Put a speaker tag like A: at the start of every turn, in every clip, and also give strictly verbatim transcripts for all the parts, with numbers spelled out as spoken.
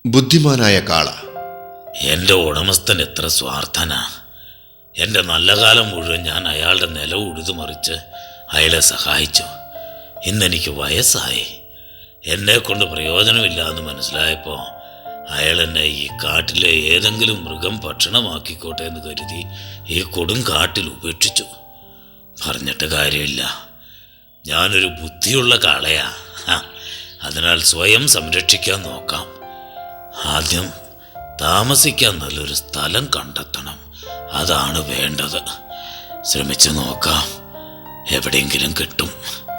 A: ബുദ്ധിമാനായ കാള.
B: എൻ്റെ ഉടമസ്ഥൻ എത്ര സ്വാർത്ഥനാ. എൻ്റെ നല്ല കാലം മുഴുവൻ ഞാൻ അയാളുടെ നില ഉഴുതുമറിച്ച് അയാളെ സഹായിച്ചു. ഇന്നെനിക്ക് വയസ്സായി, എന്നെ കൊണ്ട് പ്രയോജനമില്ല എന്ന് മനസ്സിലായപ്പോൾ അയാൾ എന്നെ ഈ കാട്ടിലെ ഏതെങ്കിലും മൃഗം ഭക്ഷണമാക്കിക്കോട്ടെ എന്ന് കരുതി ഈ കൊടും കാട്ടിൽ ഉപേക്ഷിച്ചു. പറഞ്ഞിട്ട് കാര്യമില്ല, ഞാനൊരു ബുദ്ധിയുള്ള കാളയാ. അതിനാൽ സ്വയം സംരക്ഷിക്കാൻ നോക്കാം. ആദ്യം താമസിക്കാൻ നല്ലൊരു സ്ഥലം കണ്ടെത്തണം, അതാണ് വേണ്ടത്. ശ്രമിച്ചു നോക്കാം, എവിടെയെങ്കിലും കിട്ടും.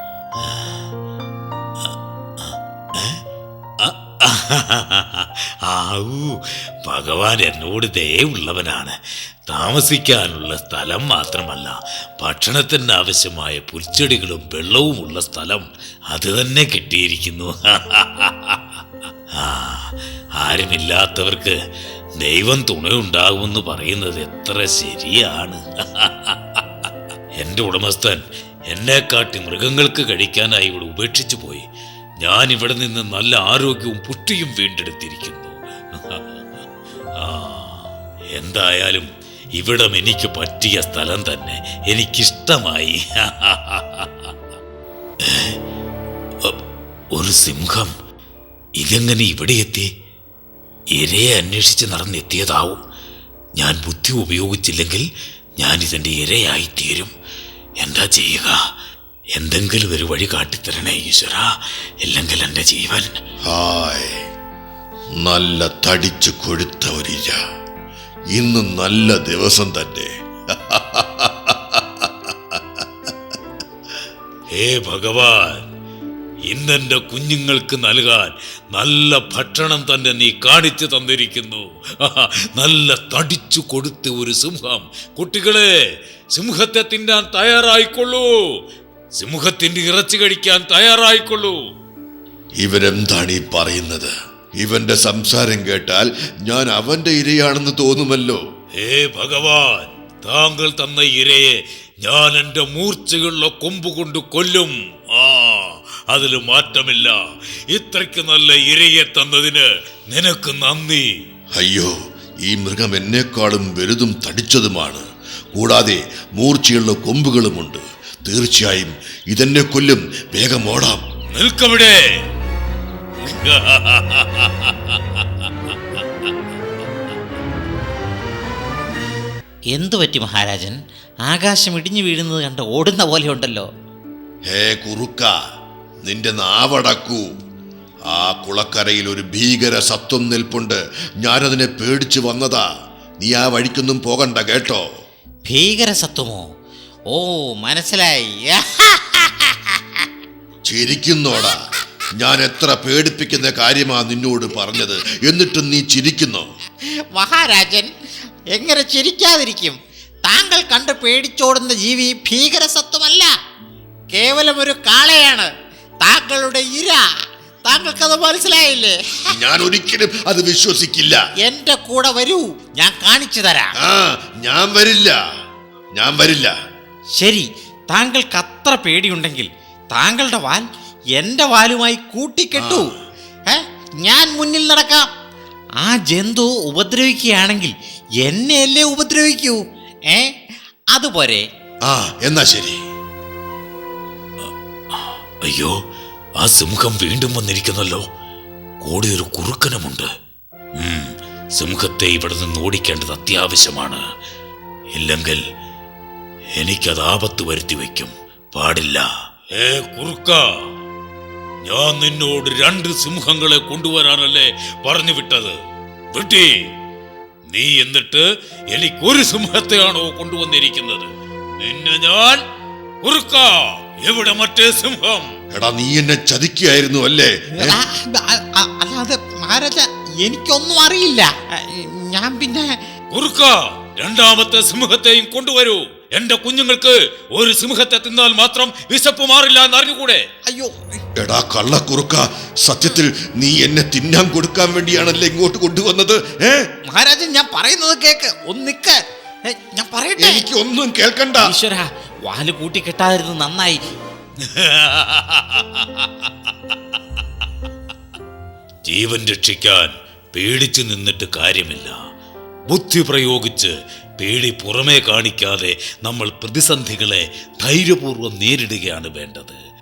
B: ആവൂ, ഭഗവാൻ എന്നോട് ദയവുള്ളവനാണ്. താമസിക്കാനുള്ള സ്ഥലം മാത്രമല്ല, ഭക്ഷണത്തിന് ആവശ്യമായ പുൽച്ചെടികളും വെള്ളവുമുള്ള സ്ഥലം അത് തന്നെ കിട്ടിയിരിക്കുന്നു. ആ, ആരുമില്ലാത്തവർക്ക് ദൈവം തുണയുണ്ടാകുമെന്ന് പറയുന്നത് എത്ര ശരിയാണ്. എൻ്റെ ഉടമസ്ഥൻ എന്നെക്കാട്ടി മൃഗങ്ങൾക്ക് കഴിക്കാനായി ഇവിടെ ഉപേക്ഷിച്ചു പോയി. ഞാൻ ഇവിടെ നിന്ന് നല്ല ആരോഗ്യവും പുഷ്ടിയും വീണ്ടെടുത്തിരിക്കുന്നു. ആ, എന്തായാലും ഇവിടം എനിക്ക് പറ്റിയ സ്ഥലം തന്നെ, എനിക്കിഷ്ടമായി. ഒരു സിംഹം ഇതെങ്ങനെ ഇവിടെ എത്തി? ഇരയെ അന്വേഷിച്ച് നടന്നെത്തിയതാവും. ഞാൻ ബുദ്ധി ഉപയോഗിച്ചില്ലെങ്കിൽ ഞാൻ ഇതിൻ്റെ ഇരയായിത്തീരും. എന്താ ചെയ്യുക? എന്തെങ്കിലും ഒരു വഴി കാട്ടിത്തരണേ ഈശ്വര, ഇല്ലെങ്കിൽ എൻ്റെ ജീവൻ.
A: ഹായ്, നല്ല തടിച്ചു കൊഴുത്ത ഒരിര. ഇന്ന് നല്ല ദിവസം തന്നെ.
B: ഹേ ഭഗവാൻ, ഇന്നെൻ്റെ കുഞ്ഞുങ്ങൾക്ക് നൽകാൻ നല്ല ഭക്ഷണം തന്നെ നീ കാണിച്ചു തന്നിരിക്കുന്നു. നല്ല തടിച്ചു കൊടുത്ത ഒരു സിംഹം. കുട്ടികളെ, സിംഹത്തെ തിന്നാൻ തയ്യാറായിക്കൊള്ളൂ. സിംഹത്തിന്റെ ഇറച്ചി കഴിക്കാൻ തയ്യാറായിക്കൊള്ളൂ.
A: ഇവരെന്താണ് ഈ പറയുന്നത്? ഇവന്റെ സംസാരം കേട്ടാൽ ഞാൻ അവന്റെ ഇരയാണെന്ന് തോന്നുമല്ലോ.
B: ഹേ ഭഗവാൻ, താങ്കൾ തന്ന ഇരയെ ഞാൻ എൻ്റെ മൂർച്ചയുള്ള കൊമ്പ് കൊണ്ട് കൊല്ലും. ആ, അതിൽ മാറ്റമില്ല. ഇത്രയ്ക്ക് നല്ല ഇരയെ തന്നതിന് നിനക്ക് നന്ദി.
A: അയ്യോ, ഈ മൃഗം എന്നെക്കാളും വലുതും തടിച്ചതുമാണ്. കൂടാതെ മൂർച്ചയുള്ള കൊമ്പുകളുമുണ്ട്. തീർച്ചയായും ഇതെന്നെ കൊല്ലും. വേഗം ഓടാം.
B: നിൽക്കവിടെ.
C: എന്തു പറ്റി മഹാരാജൻ? ആകാശം ഇടിഞ്ഞു വീഴുന്നത് കണ്ട് ഓടുന്ന പോലെ ഉണ്ടല്ലോ.
A: ഹേ കുറുക്ക, നിന്റെ നാവടക്കൂ. ആ കുളക്കരയിൽ ഒരു ഭീകര സത്വം നിൽപ്പുണ്ട്. ഞാനതിനെ പേടിച്ചു വന്നതാ. നീ ആ വഴിക്കൊന്നും പോകണ്ട കേട്ടോ.
C: ഭീകര സത്വമോ? ഓ, മനസ്സിലായി.
A: ചിരിക്കുന്നോടാ? ഞാൻ എത്ര പേടിപ്പിക്കുന്ന കാര്യമാ നിന്നോട് പറഞ്ഞത്, എന്നിട്ടും നീ ചിരിക്കുന്നു.
C: മഹാരാജൻ, എങ്ങനെ ചിരിക്കാതിരിക്കും? താങ്കൾ കണ്ട് പേടിച്ചോടുന്ന ജീവി ഭീകര സത്വമല്ല, കേവലം ഒരു കാളയാണ്. താങ്കളുടെ ഇര. താങ്കൾക്കത് മനസ്സിലായില്ലേ?
A: ഞാൻ ഒരിക്കലും അത് വിശ്വസിക്കില്ല.
C: എന്റെ കൂടെ വരൂ, ഞാൻ കാണിച്ചു തരാം.
A: ആ, ഞാൻ വരില്ല, ഞാൻ വരില്ല.
C: ശരി, താങ്കൾക്ക് അത്ര പേടിയുണ്ടെങ്കിൽ താങ്കളുടെ വാൽ എന്റെ വാലുമായി കൂട്ടിക്കെട്ടു. ഏ, ഞാൻ മുന്നിൽ നടക്കാം. ആ ജന്തു ഉപദ്രവിക്കുകയാണെങ്കിൽ എന്നെയല്ലേ ഉപദ്രവിക്കൂ. ഏ, അതുപോലെ.
A: ആ, എന്നാ ശരി.
B: അയ്യോ, ആ സിംഹം വീണ്ടും വന്നിരിക്കുന്നല്ലോ. കൂടെ ഒരു കുറുക്കനുമുണ്ട്. ഉം, സിംഹത്തെ ഇവിടെ നിന്ന് ഓടിക്കേണ്ടത് അത്യാവശ്യമാണ്. ഇല്ലെങ്കിൽ എനിക്കത് ആപത്ത് വരുത്തി വയ്ക്കും. പാടില്ല. ഏ കുറുക്ക, ഞാൻ നിന്നോട് രണ്ട് സിംഹങ്ങളെ കൊണ്ടുവരാനല്ലേ പറഞ്ഞു വിട്ടത്? വിട്ടി നീ എന്നിട്ട് എനിക്കൊരു സിംഹത്തെയാണോ കൊണ്ടുവന്നിരിക്കുന്നത്? നിന്നെ ഞാൻ. കുറുക്ക, എവിടെ മറ്റേ സിംഹം?
A: എടാ, നീ എന്നെ ചതിക്കുകയായിരുന്നു അല്ലേ?
C: അല്ലാതെ മഹാരാജ, എനിക്കൊന്നും അറിയില്ല. ഞാൻ പിന്നെ.
B: കുറുക്ക, രണ്ടാമത്തെ സിംഹത്തെയും കൊണ്ടുവരൂ. എന്റെ കുഞ്ഞുങ്ങൾക്ക് ഒരു സിംഹത്തെ തിന്നാൽ മാത്രം വിശപ്പ് മാറില്ല എന്ന് അറിഞ്ഞുകൂടെ?
C: അയ്യോ,
A: എടാ കള്ളക്കുറുക്ക, സത്യത്തിൽ നീ എന്നെ തിന്നാൻ കൊടുക്കാൻ വേണ്ടിയാണല്ലേ ഇങ്ങോട്ട് കൊണ്ടുവന്നത്? ഏ
C: മഹാരാജൻ, ഞാൻ പറയുന്നത് കേക്ക്. ഒന്ന് നിക്ക്, ഞാൻ പറയട്ടെ.
A: എനിക്ക് ഒന്നും കേൾക്കണ്ട.
C: ഈശ്വര, വാല് കൂട്ടിക്കെട്ടാതിരുന്നു നന്നായി.
B: ജീവൻ രക്ഷിക്കാൻ പേടിച്ചു നിന്നിട്ട് കാര്യമില്ല. ബുദ്ധി പ്രയോഗിച്ച് പേടി പുറമേ കാണിക്കാതെ നമ്മൾ പ്രതിസന്ധികളെ ധൈര്യപൂർവ്വം നേരിടുകയാണ് വേണ്ടത്.